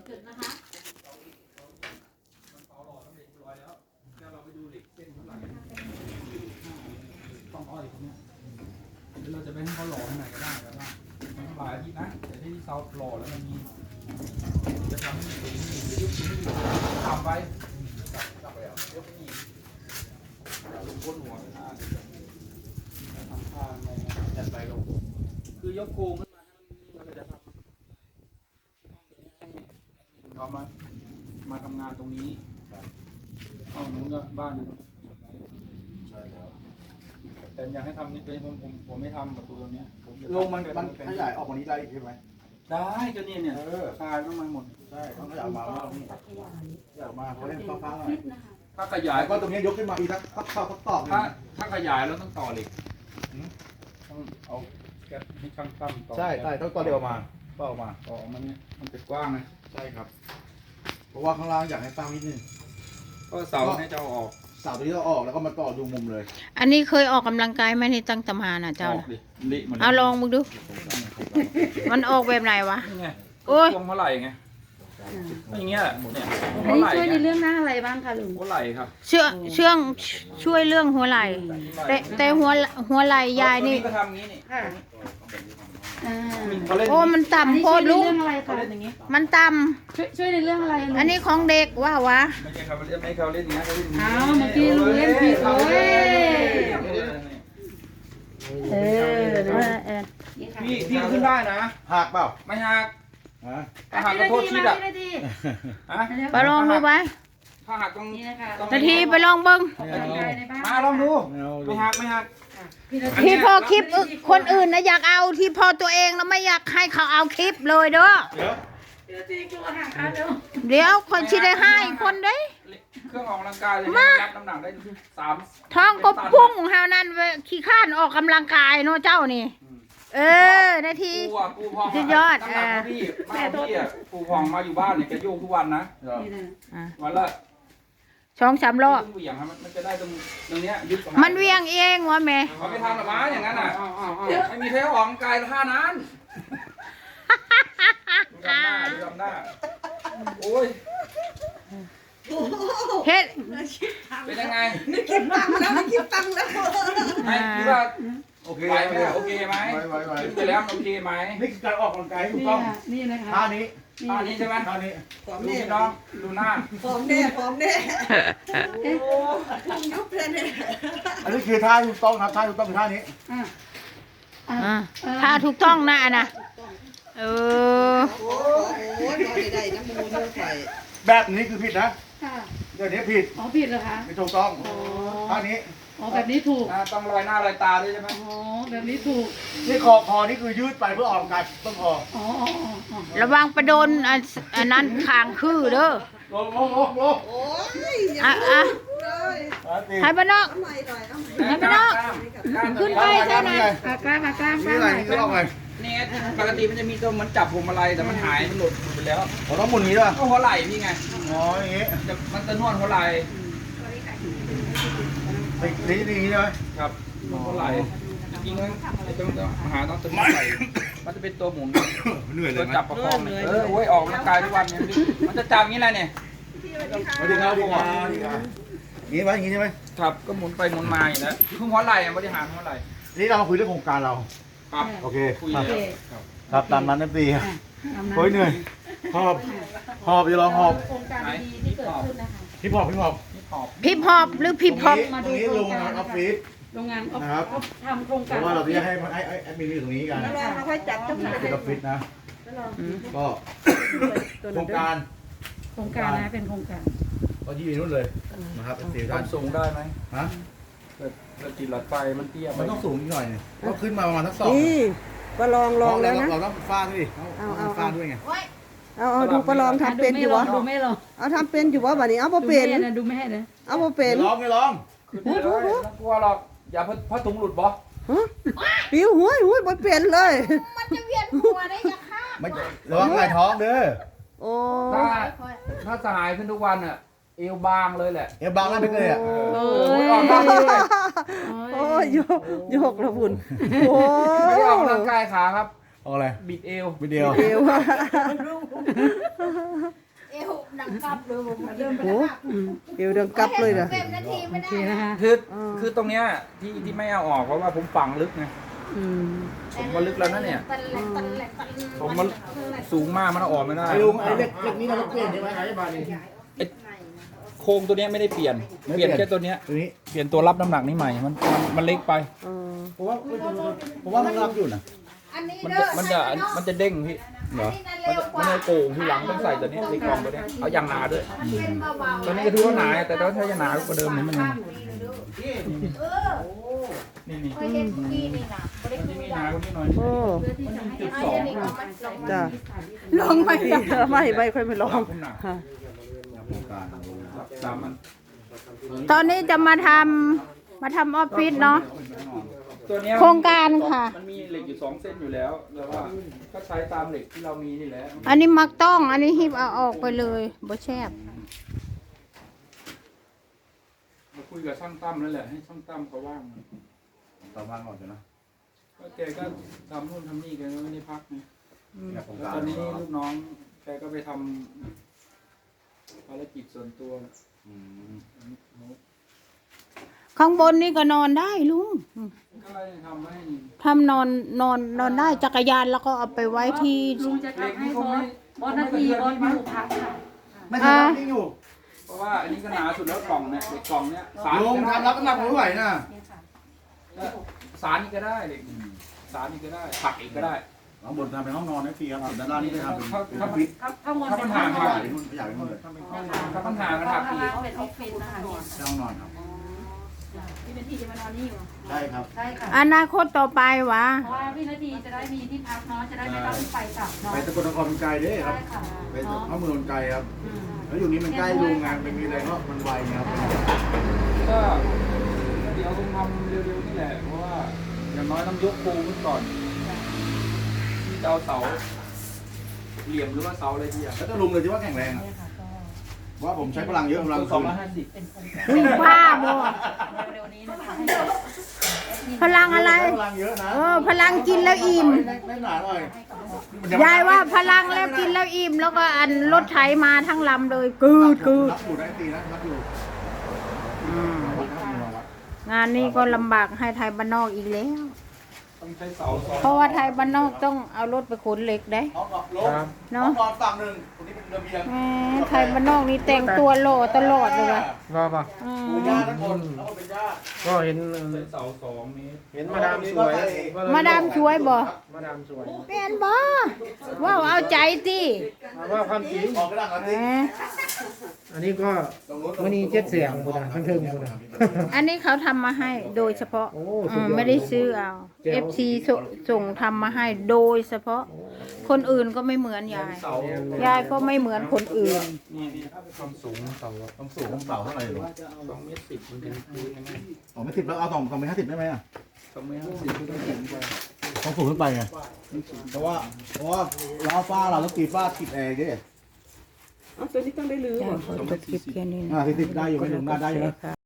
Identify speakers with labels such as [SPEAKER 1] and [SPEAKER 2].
[SPEAKER 1] จุดนะคะ
[SPEAKER 2] ต้องอ้อยตรงนี้เราจะไปให้เขาหล่อที่ไหนก็ได้ก็ได้มันหลายอาทิตย์นะแต่ที่เซาหล่อแล้วมันมีจะทำให้สูงหรือยุบต่ำไปต่ำไปอ่ะยกนี่ลงก้นหัวทำข้างอะไรเงี้ยจัดไปลงคือยกโครงขึ้นมาแล้วก็จะทำเขามาทำงานตรงนี้ห้องนู้นก็บ้านนึงแต่อยากให้ทำนี่เป็นผมไม่ทำประตูตรงนี้
[SPEAKER 3] ลงมันขยายออกกว่านี้ได้ใช่ไหม
[SPEAKER 2] ได้ก็เนี่ยคลายต้องมาหมด
[SPEAKER 3] ใช่ต้องขยายมาแล้วนี่ขยายมาเขาเล่นฟ้าๆหน่อย
[SPEAKER 2] ถ้าขยาย
[SPEAKER 3] ก็ตรงนี้ยกขึ้นมาอีกสักตอก
[SPEAKER 2] ถ้าขยายแล้วต้องต่อเหล็กต้องเอาแก๊สให้ช่างตั้มต่อ
[SPEAKER 3] ใช่ต้องต่อเดียวมาต่อมา
[SPEAKER 2] ต่อมันเนี่ยมันจะกว้างนะ
[SPEAKER 3] ใช่ครับเพราะว่าข้างล่างอยากให้ตั้งนิดนึง
[SPEAKER 2] ก็เสาให้เจ้าออก
[SPEAKER 3] เสาตัวนี้เราออกแล้วก็มาต่อดูมุมเลย
[SPEAKER 4] อันนี้เคยออกกำลังกายไหมในตั้งตำหาน่ะเจ้าเอาลองมึงดูมันออกแบบไหนวะ
[SPEAKER 2] โอ้ยพวงเท่าไหร่ไงอย่างเงี้ยเนี่ย
[SPEAKER 1] อันนี้ช่วยในเรื่องหน้าอะไรบ้างคะลุง
[SPEAKER 2] หัวไหล่ครับ
[SPEAKER 4] ช่วยเรื่องหัวไหล่แต่หัวไหล่ยายนี่
[SPEAKER 2] ก็ทำงี้นี่
[SPEAKER 4] โอ้มันต่ำโคตรลูกมันต่
[SPEAKER 1] ำช่วยในเรื่องอะไร
[SPEAKER 4] ำอันนี้ของเด็กว่าวะ
[SPEAKER 2] ไม่ใช่เขาเล่นอย่างเงี้ยเขาเล่น
[SPEAKER 1] อ้าวเมื่อกี้ลุงเล่นผิดเลย
[SPEAKER 2] พี่ขึ้นได้นะ
[SPEAKER 3] หักเปล่า
[SPEAKER 2] ไม่หักหักก็โทษชิดอ่ะ
[SPEAKER 4] ไปลองดูไป
[SPEAKER 2] ถ้าหักตรงนี้
[SPEAKER 4] นาทีไปลองเบิ้ง
[SPEAKER 2] มาลองดูไม่หัก
[SPEAKER 4] ที่พอคลิปคนอื่นนะอยากเอาที่พอตัวเองแล้วไม่อยากให้เขาเอาคลิปเลยเด้อเดี๋ยวคนชิได้ให้คนได้
[SPEAKER 2] เครื่องออกกำลังกายเลยรับน้ำหนักได้3
[SPEAKER 4] ท้องก็พุ่งเฮานั่นขี้ข้านออกกำลังกายเนาะเจ้านี่นาทีสุดยอด
[SPEAKER 2] พี่ปูพองมาอยู่บ้านเนี่ยแกโยกทุกวันนะวันละ
[SPEAKER 4] 2-3 รอบ
[SPEAKER 2] มันจะได้ตรงนี้ยึด
[SPEAKER 4] มันเวียงเองวะแม่
[SPEAKER 2] เขาไม่ทำหรอมาอย่างนั้นอ่ะไม่มีใครออกกำลังกายท่านั้นดูทำหน้าโอ้ย
[SPEAKER 4] เฮ็ด
[SPEAKER 2] เป็นยังไง
[SPEAKER 5] นี่คิดตังแล้วนี่คิดตังแล้ว
[SPEAKER 2] ไม่คิดว่าโอเคไหมโอเคไหมคิดไปแล้วโอเคไหม
[SPEAKER 3] นี่คือการออกกำลังกายถูกต้อง
[SPEAKER 1] นี่นะคะ
[SPEAKER 3] ท่านี้
[SPEAKER 2] ใช่ไหม
[SPEAKER 3] ท่านี้
[SPEAKER 2] ดูน้องดูหน้า
[SPEAKER 5] ฟอร์มแน่ยุบเลยเนี่ย
[SPEAKER 3] อันนี้คือท่าถูกต้องครับท่าถูกต้องคือท่านี้
[SPEAKER 4] ถ้าถูกต้องนะนะ
[SPEAKER 5] โอ้ยนอนได้น้ำมูนไฟ
[SPEAKER 3] แบบนี้คือผิดนะเดี๋ยวนี้ผิด
[SPEAKER 1] ผิดเหรอคะ
[SPEAKER 3] ไม่ถูกต้องท่านี้
[SPEAKER 1] แบบนี้ถูก
[SPEAKER 2] ต้องลอยหน้าลอยตาด้วยใช่ไหม
[SPEAKER 1] แบบนี้ถูก
[SPEAKER 3] นี่คอนี่คือยืดไปเพื่อออกกำลังกายต้นคอ
[SPEAKER 4] ระวังไปโดนอันนั้นคางคือเด้อ
[SPEAKER 3] ลง
[SPEAKER 5] โอ้ย
[SPEAKER 4] ให้บ้านนอกให้บ้านนอกขึ้นไปใช่ไหม
[SPEAKER 1] กล้า
[SPEAKER 3] นี่อะไรนี่ก็ลองไง
[SPEAKER 2] นี่ปกติมันจะมีตัวมันจับผมอะไรแต่มันหายมันหลุดไปแล้ว
[SPEAKER 3] ผมต้องหมุนนี้ด้วย
[SPEAKER 2] ก็หัวไหล่นี่ไง
[SPEAKER 3] อย่างงี้
[SPEAKER 2] มันจะนวดหัวไหล่
[SPEAKER 3] นี่ใช่ไหม
[SPEAKER 2] ครับหัวไหล่จริงๆต้องหาต้องตัวไหล่มันจะเป็นตัวหมุน
[SPEAKER 3] เหนื่อยเลย
[SPEAKER 2] จับประคองโอ้ยออกกำลังกายทุกวันเนี่ยมันจะจับอย่างนี้แหละเนี่ย
[SPEAKER 3] มาดึงเอาดีกว่างี้ไว้อย่างงี้ใช่ไหม
[SPEAKER 2] ครับก็หมุนไปหมุนมาอย่างนี้คือหัวไหล่บริหารหัวไหล่
[SPEAKER 3] นี่เรามาคุยเรื่องโครงการเรา
[SPEAKER 2] ครับ
[SPEAKER 3] โอเคครับตามนั้นนะปีครับโอ้ยเหนื่อยหอบจะลองหอบ
[SPEAKER 1] โครงการดีที่เกิดขึ้นนะคะ
[SPEAKER 3] ฮิปฮอป
[SPEAKER 4] พิบฮอปหรือพิบฮอป
[SPEAKER 3] ตรงนี้โรงงานออฟฟิศ
[SPEAKER 1] โรงงานนะครับทำโครงการ
[SPEAKER 3] เพราะว่าเราจะให้แอดมินอยู่ตรงนี้กัน
[SPEAKER 5] แล้วเราค่อยจัดต้อง
[SPEAKER 3] เป็นออฟฟิศนะก็โครงการ
[SPEAKER 1] นะเป็นโครงการ
[SPEAKER 3] ก็ยืนนู่นเลยนะครับ
[SPEAKER 2] ความสูงได้ไหม
[SPEAKER 3] ฮะ
[SPEAKER 2] เราติดหลอดไฟมันเตี้ย
[SPEAKER 3] มันต้องสูงนิดหน่อยเนี่ยก็ขึ้นมาประมาณทั้ง2
[SPEAKER 5] นี่ก็ลองแล้วนะ
[SPEAKER 3] เราต้องฟาดด้วยเอาฟาดด้วยไง
[SPEAKER 5] เอาดูประลองทำเป็นอยู่วะ
[SPEAKER 1] ดูไม่ลอง
[SPEAKER 5] เอาทำเป็นอยู่วะแบบนี้เอาพอเป็น
[SPEAKER 1] ดูไม่ให้นะ
[SPEAKER 5] เอาพอเป็น
[SPEAKER 3] ลองไม่ลอง
[SPEAKER 2] กลัวหรอกอย่าพัดถุงหลุดบ่
[SPEAKER 5] ปิ้วหุ้ยบ่เป็นเลย
[SPEAKER 4] มันจะเวียนหัวได้ยังค่ะ
[SPEAKER 3] ไม่ระวังไหล่ท้องเด้อ
[SPEAKER 5] โอ้
[SPEAKER 2] ถ้าสหายขึ้นทุกวันอ่ะเอวบางเลยแหละ
[SPEAKER 3] เอวบางแล้วไปเลยอ่ะ
[SPEAKER 5] โอ้ยโยกระบุน
[SPEAKER 2] โอ้ไม่ได้ออกกำลังกายขาครับ
[SPEAKER 3] เอาอะไร
[SPEAKER 2] บิดเอว
[SPEAKER 3] บิดเอว
[SPEAKER 4] เอวดังกับเลยผมเริ่ม
[SPEAKER 5] โอ้เดี๋ยวเดินกลับเลยนะ
[SPEAKER 4] เต็มนาทีไม่
[SPEAKER 1] โอ
[SPEAKER 4] ได้
[SPEAKER 1] เคนะคะ
[SPEAKER 2] คือตรงเนี้ยที่ไม่เอาออกเพราะว่าผมฝังลึกไง
[SPEAKER 5] อืม
[SPEAKER 2] ผมก็ลึกแล้วนะเนี่ย
[SPEAKER 4] ตันแหลกตันแหลกตัน
[SPEAKER 2] ผมมันสูงมากมันเอาออกไม่ได้
[SPEAKER 3] ไอ้ลุงไอ้เล็กนี้เราต้องเปลี่ยนใช่ไหมไอ้บานี่
[SPEAKER 2] โครงตัวเนี้ยไม่ได้เปลี่ยน
[SPEAKER 3] ไม่
[SPEAKER 2] เป
[SPEAKER 3] เปลี่
[SPEAKER 2] ลี่ย
[SPEAKER 3] ย
[SPEAKER 2] น
[SPEAKER 3] น
[SPEAKER 2] แค่ตัวเนี้ย
[SPEAKER 3] ตัวนี้
[SPEAKER 2] เปลี่ยนตัวรับน้ำหนักนี่ใหม่มันเล็กไป
[SPEAKER 3] ผมว่ามันรับอยู่นะ
[SPEAKER 4] อันนี้
[SPEAKER 2] มัน
[SPEAKER 4] เด้
[SPEAKER 2] จะ
[SPEAKER 4] อ
[SPEAKER 2] มันจะเด้งพี่
[SPEAKER 3] เหรอ
[SPEAKER 4] อันนี้นั่น
[SPEAKER 2] มัน
[SPEAKER 4] เร็วกว่า
[SPEAKER 2] จะโกงที่หลังต้องใส่ตัวนี้ในกล่องตัวเนี้ยเอายางหนาด้วย
[SPEAKER 4] เป็นเบาๆ
[SPEAKER 2] ตัวนี้ก็ถือว่าหนาแต่ถ้าจะหนากว่าเดิมนี่มัน
[SPEAKER 4] เออ
[SPEAKER 2] นี่
[SPEAKER 4] เคยเห็นกี้นี่นะบ่ได้
[SPEAKER 2] มัน
[SPEAKER 4] คื
[SPEAKER 2] จะ
[SPEAKER 4] อ
[SPEAKER 2] มีห
[SPEAKER 4] ได้
[SPEAKER 2] นากว่านี้หน่อย
[SPEAKER 5] โอ้
[SPEAKER 1] เพื่อที่จะให้
[SPEAKER 2] จุด
[SPEAKER 1] ให้
[SPEAKER 2] สอง
[SPEAKER 1] อันนี้เอามาลงมา
[SPEAKER 5] จ้ะ
[SPEAKER 4] ลงไม่ได้
[SPEAKER 5] ไม่ค่อยไม่ลอง
[SPEAKER 2] ผมหนัก
[SPEAKER 5] ค่ะ
[SPEAKER 2] สามอัน
[SPEAKER 4] ตอนนี้จะมาทำออฟฟิศเนาะ
[SPEAKER 2] ตัวเนี้ย
[SPEAKER 4] โครงการค่ะ
[SPEAKER 2] มันมีเหล็กอยู่2 เส้นอยู่แล้วแต่ว่าก็ใช้ตามเหล็กที่เรามีนี่แหละ
[SPEAKER 4] อันนี้มักต้องอันนี้หิบเอาออกไปเลยบ่แชบ
[SPEAKER 2] มาคุยกับช่างตั้มนั่นแหละให้ช่างตั้มเขาว่าง
[SPEAKER 3] ต่อมาก่อนนะ
[SPEAKER 2] ก็แกก็ทำนู่นทำนี่แกก็ไม่ได้พักไง
[SPEAKER 3] อยากโครง
[SPEAKER 2] แล้ว
[SPEAKER 3] การ
[SPEAKER 2] ตอนนี้ลูกน้องแกก็ไปทำภารกิจส่วนตัว
[SPEAKER 3] อืม
[SPEAKER 4] ข้างบนนี่ก็นอนได้ลุง
[SPEAKER 2] ก็เลยทำให้
[SPEAKER 4] ทำนอนได้จักรยานแล้วก็เอาไปไว้ที่
[SPEAKER 1] ลุงจะทำให้บอสนาทีบอสอยู่พักค่ะ
[SPEAKER 3] ไม่ใช่รับนี่อยู่
[SPEAKER 2] เพราะว่าอันนี้ก็หนาสุดแล้วกล่องเนี่ยเหล็กกล่องเนี่ยสาร
[SPEAKER 3] ลุงทำรับน้ำหนักผมไม่ไหวนะ
[SPEAKER 1] เนี่ยค่ะ
[SPEAKER 2] สารนี่ก็ได้เหล็กสารนี่ก็ได้ผักอีกก็ได้
[SPEAKER 3] ข้างบนทำเป็นห้องนอนให้ฟรีครับส่วนด้านล่างนี่ได้ทำเป็นออฟฟิศ
[SPEAKER 1] ข้างบน
[SPEAKER 2] ถ้า
[SPEAKER 1] เป็
[SPEAKER 2] มัน น
[SPEAKER 1] ห้อ
[SPEAKER 2] ห่าง ง
[SPEAKER 1] น
[SPEAKER 2] ค
[SPEAKER 1] อ
[SPEAKER 2] รับ
[SPEAKER 1] น
[SPEAKER 3] อยากเป็นห้องเลย
[SPEAKER 2] ถ้ามันห่างกันหักอีก
[SPEAKER 1] เป็นออฟฟิศนะคะเนี่ย
[SPEAKER 3] ใช่ห้องนอนครับ
[SPEAKER 1] พี่นาทีจะมานอนนี่อยู่
[SPEAKER 3] ใช่ครับ
[SPEAKER 1] ใช่ค่ะ
[SPEAKER 4] อนาคตต่อไปวะ
[SPEAKER 1] เพราะว่าพี่นาทีจะได้มีที่พักเนาะจะได้ไม่ต้องไปกลับเนาะ
[SPEAKER 3] ไปตะกนครมันไกลเด้ครับ
[SPEAKER 1] ใช่ค่ะ
[SPEAKER 3] ไป
[SPEAKER 1] เนาะ
[SPEAKER 3] เข้าเมืองมันไกลครับ แล้วอยู่นี้มันใกล้โรงงานมันมีอะไรก็มันไวครับ
[SPEAKER 2] ก็เดี๋ยวคงทำเร็วๆนี่แหละเพราะว่าอย่างน้อยต้องยกโครงขึ้นก่อนที่จะเอาเสาเหลี่ยมหรือว่าเสาอะไรที่อ่ะ
[SPEAKER 3] แล้วจะลุงเลยที่ว่าแข็งแรงอะ
[SPEAKER 1] เนี่ยค่ะก็
[SPEAKER 3] ว่าผมใช้พลังเยอะกำลัง
[SPEAKER 2] สอง
[SPEAKER 3] คืน
[SPEAKER 2] ร้อยห้าสิบ
[SPEAKER 1] เป็นโครงการ
[SPEAKER 4] ลุงผ้าบ่
[SPEAKER 1] เร็วๆนี้นะคะให้
[SPEAKER 4] พลังอะไร
[SPEAKER 3] ใช้พลังเยอะนะ
[SPEAKER 4] พลังกินแล้วอิ่ม
[SPEAKER 3] ได้หนาหน่อย
[SPEAKER 4] ยายว่าพลังแล้วกินแล้วอิ่ม แล้วก็อันรถไถมาทั้งลำเลยกืด
[SPEAKER 3] รับอยู่ได้ตีนะรับอยู่
[SPEAKER 4] งานนี้ก็ลำบากให้ไทยบ้านนอกอีกแล้ว
[SPEAKER 2] ต้องใช้เสาสอง
[SPEAKER 4] เพราะว่าไทยบ้านนอกต้องเอารถไปขนเหล็กได้
[SPEAKER 3] ห้องนอนฝั่งหนึ่งคนนี้เป็นระเบียง
[SPEAKER 4] แหมไทยบ้านนอกนี่แต่งตัวหล่อตลอดเลยว่ะ
[SPEAKER 6] ว่าปะ
[SPEAKER 4] อืม
[SPEAKER 3] เป็นญาติทั้งคนแล้วก็เป็นญาติ
[SPEAKER 6] ก็เห็น
[SPEAKER 2] ใช้เสา2 เมตร
[SPEAKER 6] เห็นมาดามสวย
[SPEAKER 4] มาดามช่วยบ่
[SPEAKER 6] มาดามสวย
[SPEAKER 4] เป็นบ่ว้าวเอาใจสิ
[SPEAKER 6] ว่าความจริง
[SPEAKER 3] ออกกระดังกัน
[SPEAKER 4] แห
[SPEAKER 3] สิ
[SPEAKER 4] ม
[SPEAKER 6] อันนี้ก็วันนี้7 เสียงคุณนะทั้งเทิงคุณนะ
[SPEAKER 4] อันนี้เขาทำมาให้โดยเฉพาะ
[SPEAKER 6] โอ้สุดยอด
[SPEAKER 4] ไม่ได้ซื้อเอา FC ส่งทำมาให้โดยเฉพาะ คนอื่นก็ไม่เหมือนยาย
[SPEAKER 2] เสาย
[SPEAKER 4] ายก็ไม่เหมือนคนอื่น
[SPEAKER 2] นี่ความสูงเสา
[SPEAKER 3] ต้องสูงต้องเสาเท่าไหร่หรอ
[SPEAKER 2] 2 เมตร 10มันเป็นพื้นยังไง
[SPEAKER 3] อ๋อไม่ติดแล้วเอา2 เมตร 50ได้ไหมอ่ะ
[SPEAKER 2] 2 เมตร 50ก็ต้องถึงไป
[SPEAKER 3] ต้องสูงขึ้นไปไงเพราะว่าล้าวฟ้าเราต้องตีฟ้าติดแอร์ดิ
[SPEAKER 5] ตัวนี้ต้องได้ลื้อ
[SPEAKER 4] จ้าขอจบคลิปแค่นี้นะ
[SPEAKER 3] 40ได้อยู่ไม่ถึงได้อยู่นะ